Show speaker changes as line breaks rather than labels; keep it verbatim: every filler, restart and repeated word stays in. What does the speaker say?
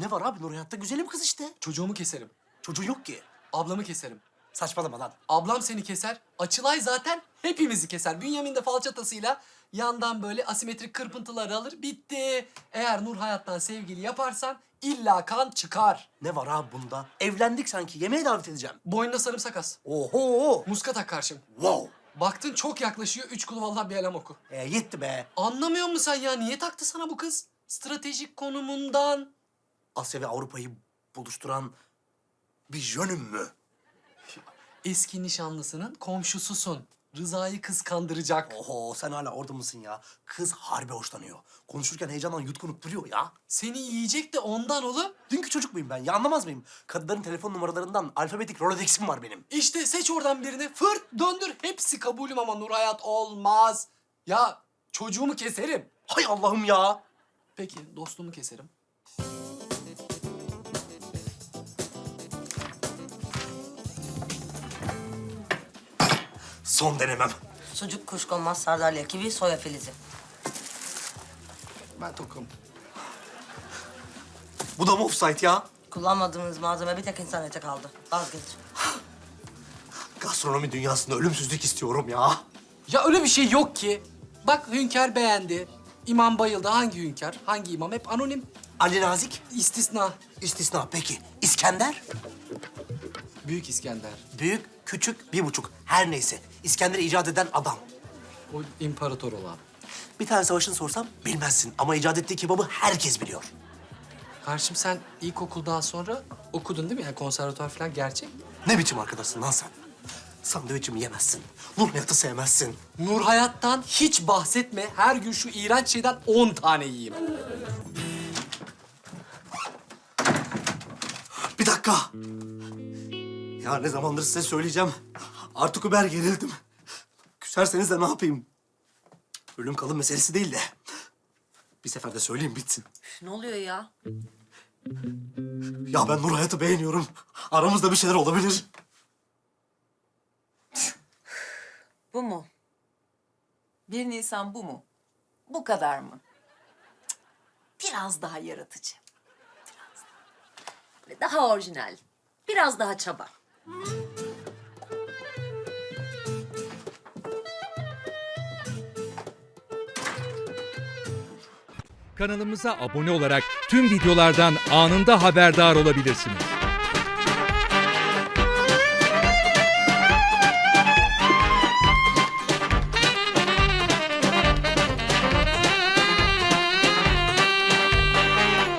Ne var abi? Nur Hayat'ta güzelim kız işte.
Çocuğumu keserim.
Çocuğun yok ki.
Ablamı keserim.
Saçmalama lan.
Ablam seni keser. Açılay zaten hepimizi keser. Bünyamin de falçatasıyla yandan böyle asimetrik kırpıntılar alır. Bitti. Eğer Nur Hayat'tan sevgili yaparsan illa kan çıkar.
Ne var abi bunda? Evlendik sanki. Yemeğe davet edeceğim.
Boynuna sarımsak as.
Oho!
Muska tak karşım.
Wow!
Baktın çok yaklaşıyor. Üç kulu vallahi bir elem oku.
E, yetti be.
Anlamıyor musun sen ya? Niye taktı sana bu kız? Stratejik konumundan.
Asya ve Avrupa'yı buluşturan bir jönüm mü?
Eski nişanlısının komşususun. Rıza'yı kıskandıracak.
Oho, sen hala orada mısın ya? Kız harbi hoşlanıyor. Konuşurken heyecandan yutkunup duruyor ya.
Seni yiyecek de ondan oğlum.
Dünkü çocuk muyum ben? Ya anlamaz mıyım? Kadınların telefon numaralarından alfabetik Rolodex'im var benim.
İşte seç oradan birini. Fırt döndür. Hepsi kabulüm ama Nur Hayat olmaz. Ya çocuğumu keserim.
Hay Allah'ım ya!
Peki dostumu keserim.
Son denemem.
Sucuk, kuşkonmaz, sardalya, kivi, soya filizi.
Ben tokum.
Bu da mı offside ya?
Kullanmadığımız malzeme bir tek internete kaldı. Vazgeç.
Gastronomi dünyasında ölümsüzlük istiyorum ya.
Ya öyle bir şey yok ki. Bak Hünkar beğendi. İmam bayıldı. Hangi Hünkar? Hangi imam? Hep anonim.
Ali Nazik,
İstisna.
istisna. Peki, İskender?
Büyük İskender.
Büyük, küçük, bir buçuk. Her neyse. İskender'i icat eden adam.
O imparator olan.
Bir tane savaşını sorsam bilmezsin. Ama icat ettiği kebabı herkes biliyor.
Karşım sen ilkokuldan sonra okudun değil mi? Yani konservatuvar falan gerçek.
Ne biçim arkadaşsın lan sen? Sandviçimi yemezsin. Nur Hayat'ı sevmezsin.
Nur Hayat'tan hiç bahsetme. Her gün şu iğrenç şeyden on tane yiyeyim.
Bir dakika. Ya ne zamandır size söyleyeceğim. Artık Uber gerildim. Küserseniz de ne yapayım? Ölüm kalım meselesi değil de. Bir seferde söyleyeyim bitsin.
Ne oluyor ya?
Ya ben Nur Hayat'ı beğeniyorum. Aramızda bir şeyler olabilir.
Bu mu? Bir Nisan bu mu? Bu kadar mı? Cık, biraz daha yaratıcı. Biraz daha. Böyle daha orijinal. Biraz daha çaba.
Kanalımıza abone olarak tüm videolardan anında haberdar olabilirsiniz.